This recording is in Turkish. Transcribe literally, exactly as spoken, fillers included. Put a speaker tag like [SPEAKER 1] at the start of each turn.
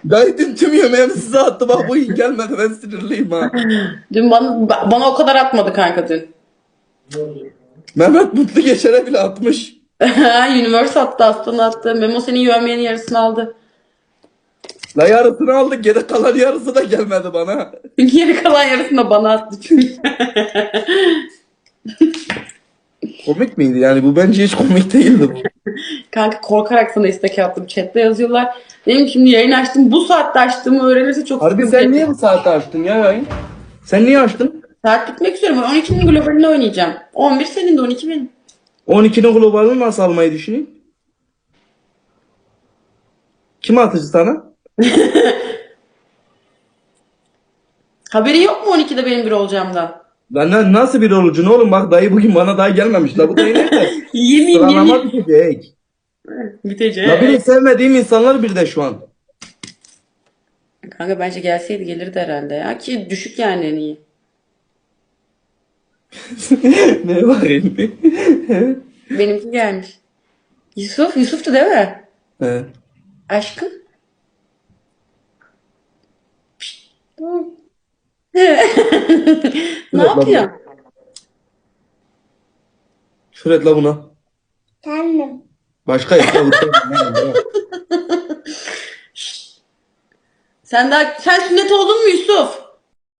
[SPEAKER 1] Dayı dün tüm yemeğimi size attı. Bak bugün gelmedi. Ben sinirliyim ha.
[SPEAKER 2] Dün bana, bana o kadar atmadı kanka dün.
[SPEAKER 1] Mehmet Mutlu Geçer'e bile atmış.
[SPEAKER 2] Universe attı, Aslan attı. Memo senin yövmeyenin yarısını aldı.
[SPEAKER 1] La yarısını aldık. Geri kalan yarısı da gelmedi bana.
[SPEAKER 2] Geri kalan yarısını da bana attı çünkü.
[SPEAKER 1] Komik miydi? Yani bu bence hiç komik değildi bu.
[SPEAKER 2] Kanka korkarak sana istek attım. Chat'te yazıyorlar. Benim şimdi yayın açtım. Bu saatte açtığımı öğrenirse çok
[SPEAKER 1] Harbi
[SPEAKER 2] sıkıntı
[SPEAKER 1] sen
[SPEAKER 2] yaşarım.
[SPEAKER 1] niye bu saatte açtın ya yayın? Sen niye açtın?
[SPEAKER 2] Saat bitmek üzere. Ben on ikinin globalini oynayacağım. on bir senin de on iki benim.
[SPEAKER 1] on ikinin globalini nasıl almayı düşünüyorsun? Kim atıcı sana?
[SPEAKER 2] Haberi yok mu on ikide benim bir olacağımdan?
[SPEAKER 1] Lan na- nasıl bir olucun oğlum, bak dayı bugün bana daha gelmemiş. La bu dayı nerede?
[SPEAKER 2] Yemin
[SPEAKER 1] Sıralama
[SPEAKER 2] yemin.
[SPEAKER 1] bitecek.
[SPEAKER 2] Bitecek.
[SPEAKER 1] La benim sevmediğim insanlar bir de şu an.
[SPEAKER 2] Kanka bence gelseydi gelirdi herhalde ya. Ki düşük yani en iyi.
[SPEAKER 1] Ne var elinde? Evet.
[SPEAKER 2] Benimki gelmiş. Yusuf, Yusuf'tu değil mi?
[SPEAKER 1] He.
[SPEAKER 2] Aşkım. Ne
[SPEAKER 1] Şöyle la buna.
[SPEAKER 2] yapıyorsun?
[SPEAKER 1] Şöyle la buna.
[SPEAKER 3] Kendim.
[SPEAKER 1] Başka yok. La bu sen-
[SPEAKER 2] Sen daha sen sünnet oldun mu Yusuf?